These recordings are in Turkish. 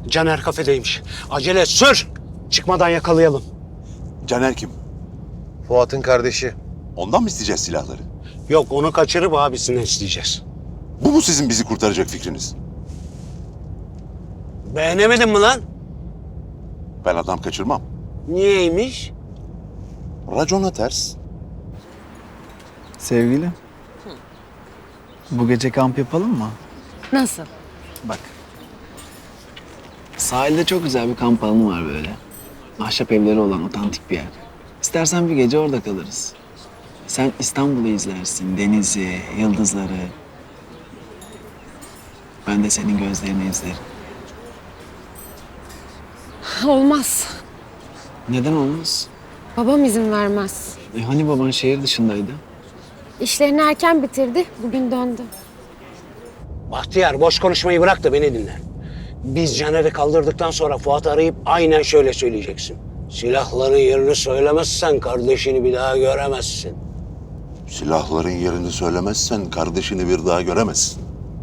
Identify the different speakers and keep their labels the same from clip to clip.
Speaker 1: Caner kafedeymiş. Acele et, sür. Çıkmadan yakalayalım.
Speaker 2: Caner kim?
Speaker 3: Fuat'ın kardeşi.
Speaker 2: Ondan mı isteyeceğiz silahları?
Speaker 1: Yok, onu kaçırıp abisinden isteyeceğiz.
Speaker 2: Bu mu sizin bizi kurtaracak fikriniz?
Speaker 1: Beğenemedin mi lan?
Speaker 2: Ben adam kaçırmam.
Speaker 1: Niyeymiş?
Speaker 2: Racona ters.
Speaker 4: Sevgili. Bu gece kamp yapalım mı?
Speaker 5: Nasıl?
Speaker 4: Bak. Sahilde çok güzel bir kamp alanı var böyle. Ahşap evleri olan otantik bir yer. İstersen bir gece orada kalırız. Sen İstanbul'u izlersin, denizi, yıldızları. Ben de senin gözlerini izlerim.
Speaker 5: Olmaz.
Speaker 4: Neden olmaz?
Speaker 5: Babam izin vermez.
Speaker 4: Hani baban şehir dışındaydı?
Speaker 5: İşlerini erken bitirdi. Bugün döndü.
Speaker 1: Bahtiyar, boş konuşmayı bırak da beni dinle. Biz Caner'i kaldırdıktan sonra Fuat'ı arayıp aynen şöyle söyleyeceksin. Silahların yerini söylemezsen kardeşini bir daha göremezsin.
Speaker 2: Silahların yerini söylemezsen kardeşini bir daha göremezsin.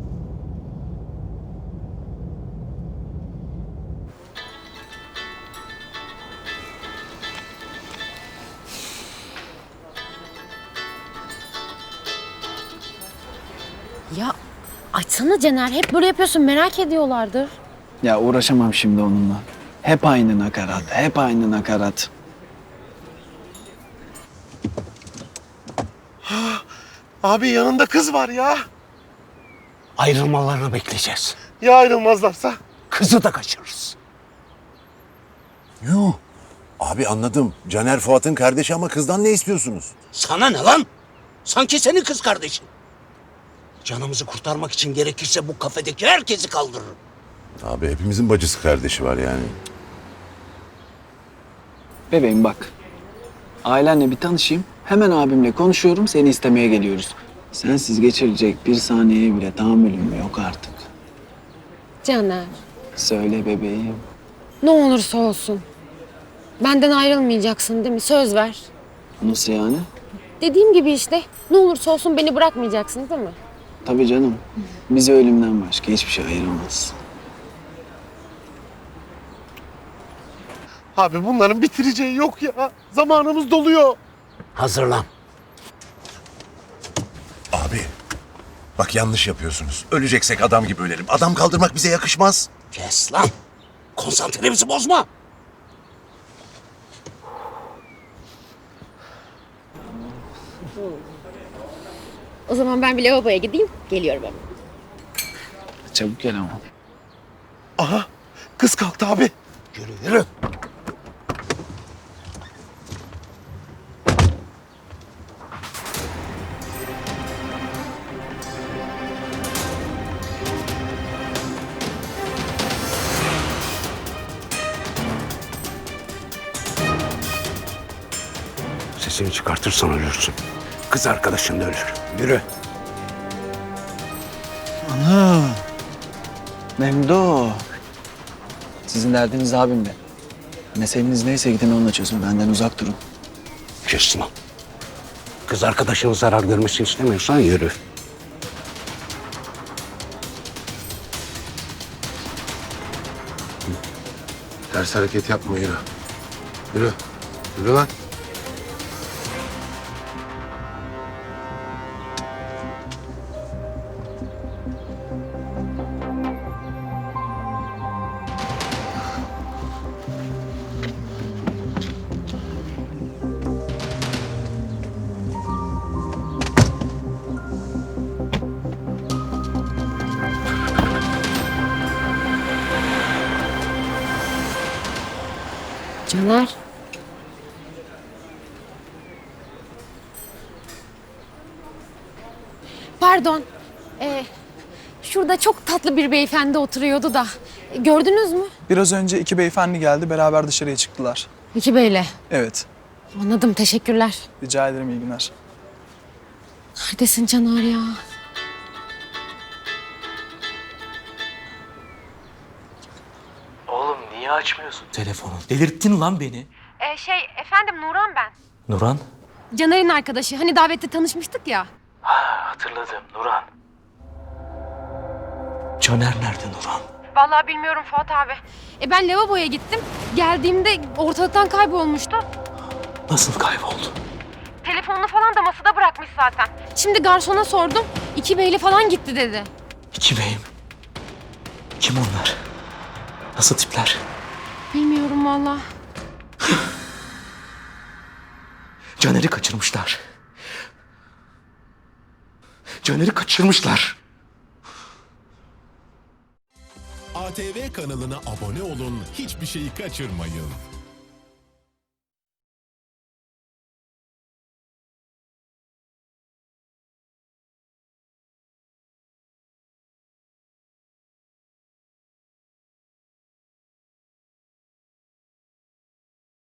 Speaker 5: Ya açsana Cener. Hep böyle yapıyorsun. Merak ediyorlardır.
Speaker 4: Ya uğraşamam şimdi onunla. Hep aynı nakarat, hep aynı nakarat.
Speaker 3: Abi yanında kız var ya.
Speaker 1: Ayrılmalarını bekleyeceğiz.
Speaker 3: Ya ayrılmazlarsa?
Speaker 1: Kızı da kaçırırız.
Speaker 2: Yuh. Abi anladım. Caner Fuat'ın kardeşi ama kızdan ne istiyorsunuz?
Speaker 1: Sana ne lan? Sanki senin kız kardeşin. Canımızı kurtarmak için gerekirse bu kafedeki herkesi kaldırırım.
Speaker 2: Abi hepimizin bacısı kardeşi var yani.
Speaker 4: Bebeğim bak. Ailenle bir tanışayım. Hemen abimle konuşuyorum, seni istemeye geliyoruz. Sensiz geçirecek bir saniyeye bile tahammülüm yok artık.
Speaker 5: Caner.
Speaker 4: Söyle bebeğim.
Speaker 5: Ne olursa olsun. Benden ayrılmayacaksın değil mi? Söz ver.
Speaker 4: Nasıl yani?
Speaker 5: Dediğim gibi işte. Ne olursa olsun beni bırakmayacaksın değil mi?
Speaker 4: Tabii canım. Bizi ölümden başka hiçbir şey ayıramaz.
Speaker 3: Abi bunların bitireceği yok ya. Zamanımız doluyor.
Speaker 1: Hazırlan.
Speaker 2: Abi bak yanlış yapıyorsunuz. Öleceksek adam gibi ölelim. Adam kaldırmak bize yakışmaz.
Speaker 1: Kes lan. Konsantremizi bozma.
Speaker 5: O zaman ben bir lavaboya gideyim. Geliyorum hemen.
Speaker 4: Çabuk gel ama.
Speaker 3: Aha kız kalktı abi.
Speaker 1: Yürü yürü. Sesini çıkartırsan ölürsün. Kız arkadaşın da ölür. Yürü.
Speaker 4: Ana. Memdo. Sizin derdiniz abimle. Meseleniz neyse gidin onunla çözün. Benden uzak durun.
Speaker 1: Kes lan. Kız arkadaşının zarar görmesini istemiyorsan yürü.
Speaker 3: Ters hareket yapma yürü. Yürü. Yürü lan.
Speaker 5: Caner. Pardon. Şurada çok tatlı bir beyefendi oturuyordu da. Gördünüz mü?
Speaker 6: Biraz önce iki beyefendi geldi, beraber dışarıya çıktılar.
Speaker 5: İki beyle.
Speaker 6: Evet,
Speaker 5: Anladım, teşekkürler.
Speaker 6: rica ederim, iyi günler.
Speaker 5: Neredesin Caner ya?
Speaker 7: Oğlum niye açmıyorsun telefonu? Delirttin lan beni.
Speaker 5: Efendim Nuran ben.
Speaker 7: Nuran?
Speaker 5: Caner'in arkadaşı. Hani davette tanışmıştık ya.
Speaker 7: Hatırladım Nuran. Caner nerede Nuran?
Speaker 5: Vallahi bilmiyorum Fuat abi. Ben lavaboya gittim. Geldiğimde ortalıktan kaybolmuştu.
Speaker 7: Nasıl kayboldu?
Speaker 5: Telefonunu falan da masada bırakmış zaten. Şimdi garsona sordum. 2 beyli falan gitti dedi.
Speaker 7: İki beyim. Kim onlar? Nasıl tipler?
Speaker 5: Bilmiyorum vallahi.
Speaker 7: Caner'i kaçırmışlar. Caner'i kaçırmışlar.
Speaker 8: ATV kanalına abone olun, hiçbir şeyi kaçırmayın.